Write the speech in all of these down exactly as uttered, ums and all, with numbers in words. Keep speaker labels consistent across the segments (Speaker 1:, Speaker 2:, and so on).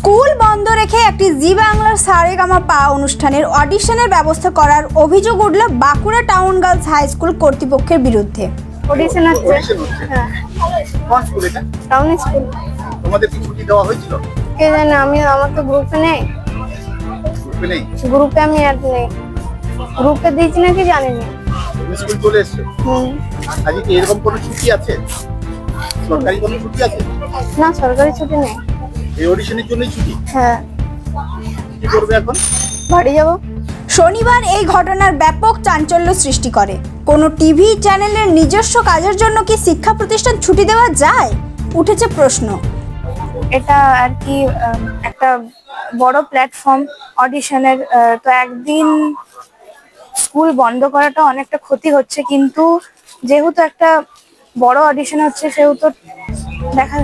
Speaker 1: School বন্ধ রেখে একটি জি বাংলার সারেগামাপা অনুষ্ঠানের অডিশনের ব্যবস্থা করার অভিযোগ উঠল Bankura town girls high school কর্তৃপক্ষের বিরুদ্ধে।
Speaker 2: অডিশন হচ্ছে হ্যাঁ
Speaker 3: কোন স্কুল এটা?
Speaker 2: Town school.
Speaker 3: তোমাদের কি ছুটি দেওয়া হয়েছিল?
Speaker 2: কে জানে, আমি আমার তো গ্রুপে নেই।
Speaker 3: গ্রুপে নেই?
Speaker 2: গ্রুপে আমি অ্যাড নেই। গ্রুপে দিয়েছি নাকি জানি না।
Speaker 3: তুমি স্কুল চলে এসছো?
Speaker 2: হুম।
Speaker 3: আজকে কি এরকম কোনো ছুটি আছে? সরকারি কোনো ছুটি আছে?
Speaker 2: না, সরকারি ছুটি নেই।
Speaker 3: এই অডিশনের জন্যই ছুটি?
Speaker 2: হ্যাঁ।
Speaker 3: কি করবে এখন?
Speaker 2: বাড়ি যাব।
Speaker 1: শনিবার এই ঘটনার ব্যাপক চাঞ্চল্য সৃষ্টি করে। কোনো টিভি চ্যানেলের নিজস্ব কাজের জন্য কি শিক্ষা প্রতিষ্ঠান ছুটি দেওয়া যায়? উঠেছে প্রশ্ন।
Speaker 2: এটা আর কি আহ, একটা বড় প্ল্যাটফর্ম অডিশনের, তো একদিন স্কুল বন্ধ করাটা অনেকটা ক্ষতি হচ্ছে, কিন্তু যেহেতু একটা বড় অডিশন হচ্ছে সেহেতু দেখা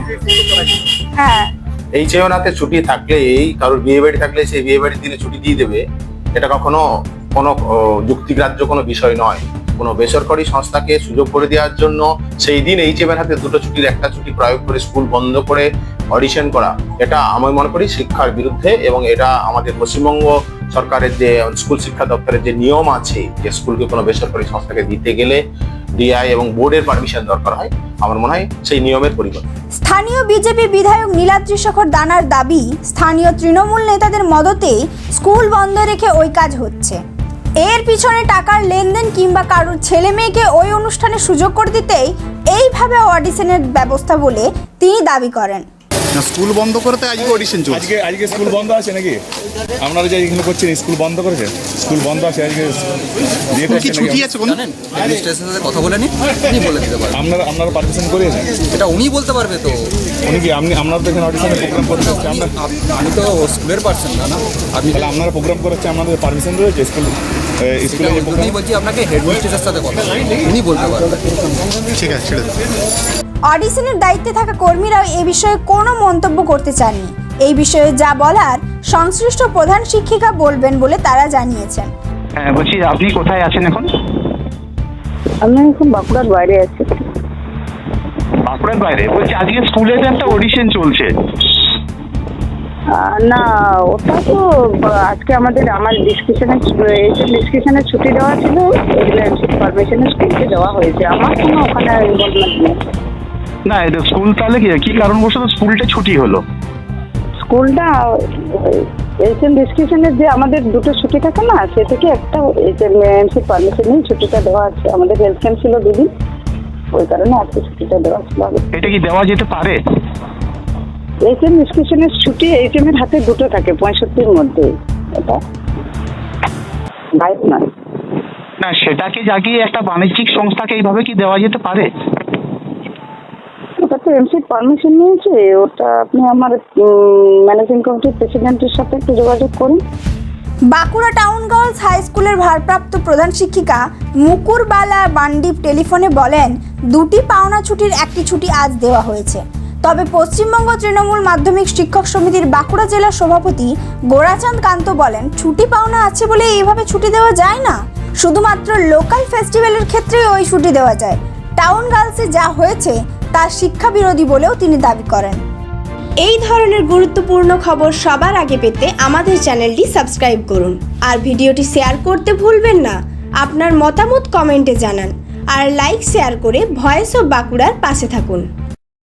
Speaker 2: হ্যাঁ
Speaker 4: এই চেয়নাতে ছুটি থাকলে, এই কারোর বিয়ে বাড়ি থাকলে সেই বিয়ে বাড়ির দিনে ছুটি দিয়ে দেবে, এটা কখনো কোনো যুক্তিগ্রাহ্য কোনো বিষয় নয়। কোনো বেসরকারি সংস্থাকে সুযোগ করে দেওয়ার জন্য সেই দিন এই চেবের হাতে দুটো ছুটির একটা ছুটি প্রয়োগ করে স্কুল বন্ধ করে অডিশন করা, এটা আমি মনে করি শিক্ষার বিরুদ্ধে। এবং এটা আমাদের পশ্চিমবঙ্গ সরকারের যে স্কুল শিক্ষা দপ্তরের যে নিয়ম আছে, যে স্কুলকে কোনো বেসরকারি সংস্থাকে দিতে গেলে ডিআই এবং বোর্ডের পারমিশন দরকার হয়, আমার মনে হয় সেই নিয়মের পরিবর্তন।
Speaker 1: স্থানীয় বিজেপি বিধায়ক নীলাদ্রি শেখর দানার দাবি, স্থানীয় তৃণমূল নেতাদের মদতেই স্কুল বন্ধ রেখে ওই কাজ হচ্ছে। এর পিছনে টাকার লেনদেন কিংবা কারোর ছেলে মেয়েকে ওই অনুষ্ঠানে সুযোগ করে দিতেই এইভাবে অডিশনের ব্যবস্থা বলে তিনি দাবি করেন।
Speaker 3: স্কুল বন্ধ করতে আজকে অডিশন চলছে।
Speaker 5: আজকে আজকে স্কুল বন্ধ আছে নাকি? আপনারা যে এখানে করছেন স্কুল বন্ধ করেছে? স্কুল বন্ধ আছে আজকে, দিয়ে
Speaker 3: কি ছুটি আছে কোন?
Speaker 6: জানেন অ্যাডমিনিস্ট্রেশনের সাথে কথা বলে নি, উনি বলে দিতে পারবেন।
Speaker 5: আপনারা আপনারা পারমিশন করিয়েছেন?
Speaker 6: এটা উনি বলতে পারবে তো।
Speaker 5: উনি কি আপনি আপনারা তো এখানে অডিশনে প্রোগ্রাম করতে হচ্ছে, আমরা
Speaker 6: আমি তো স্কুলের পার্সন না, না আপনি
Speaker 5: তাহলে আপনারা প্রোগ্রাম করাচ্ছে, আপনাদের পারমিশন রয়েছে স্কুল স্কুলে যে প্রোগ্রাম?
Speaker 6: আমি বলছি আপনাকে হেডমিস্ট্রেসের সাথে কথা উনি বলতে পারবেন।
Speaker 3: ঠিক আছে, ছেড়ে দাও।
Speaker 1: অডিশনের দায়িত্বে থাকা কর্মীরাও এ বিষয়ে কোনো মন্তব্য করতে চাননি। এই বিষয়ে যা বলার সংশ্লিষ্ট প্রধান শিক্ষিকা বলবেন বলে তারা জানিয়েছেন।
Speaker 7: হ্যাঁ, বলছি আপনি কোথায় আছেন এখন?
Speaker 8: আমি এখন বাঁকুড়ার বাইরে আছি।
Speaker 7: বাঁকুড়ার বাইরে? বলছি আজকে স্কুলে তো একটা অডিশন চলছে।
Speaker 8: আহ, না, ওটা তো আজকে আমাদের আমার ডিসকাশনে ডিসকাশনে ছুটি দেওয়া ছিল, পারমিশনে স্কুলকে দেওয়া হয়েছে। আমার কোনো ওখানে ইনভলভমেন্ট নেই।
Speaker 7: না, এটা স্কুল তাহলে কি কি কারণবশত স্কুলটা ছুটি হলো?
Speaker 8: স্কুলটা এইচএম ডিসকাশনের যে আমাদের দুটো ছুটি থাকে না, সে থেকে একটা এইচএম এমসি পারমিশন নিয়ে ছুটিটা দেওয়া আছে। আমাদের হেলথ ক্যাম্প ছিল দুদিন, ওই কারণে আজকে ছুটিটা দেওয়া ছিল।
Speaker 7: এটা কি দেওয়া যেতে পারে?
Speaker 8: এইচএম ডিসকাশনের ছুটি এইচএম এর হাতে দুটো থাকে পঁয়ষট্টির মধ্যে, এটা বাইক নয়।
Speaker 7: না, সেটাকে জাগিয়ে একটা বাণিজ্যিক সংস্থাকে এইভাবে কি দেওয়া যেতে পারে?
Speaker 8: ওটা তো এমসি পারমিশন নিয়েছে, ওটা আপনি আমার ম্যানেজিং কমিটির প্রেসিডেন্টের সাথে একটু যোগাযোগ করুন।
Speaker 1: বাঁকুড়া টাউন গার্লস হাই স্কুলের ভারপ্রাপ্ত প্রধান শিক্ষিকা মুকুরবালা বান্ডিপ টেলিফোনে বলেন, দুটি পাওনা ছুটির একটি ছুটি আজ দেওয়া হয়েছে। তবে পশ্চিমবঙ্গ তৃণমূল মাধ্যমিক শিক্ষক সমিতির বাঁকুড়া জেলার সভাপতি গোরাচাঁদ কান্ত বলেন, ছুটি পাওনা আছে বলে এইভাবে ছুটি দেওয়া যায় না। শুধুমাত্র লোকাল ফেস্টিভ্যালের ক্ষেত্রেই ওই ছুটি দেওয়া যায়। টাউন গার্লসে যা হয়েছে তা শিক্ষা বিরোধী বলেও তিনি দাবি করেন। এই ধরনের গুরুত্বপূর্ণ খবর সবার আগে পেতে আমাদের চ্যানেলটি সাবস্ক্রাইব করুন আর ভিডিওটি শেয়ার করতে ভুলবেন না। আপনার মতামত কমেন্টে জানান আর লাইক শেয়ার করে ভয়েস অফ বাঁকুড়ার পাশে থাকুন।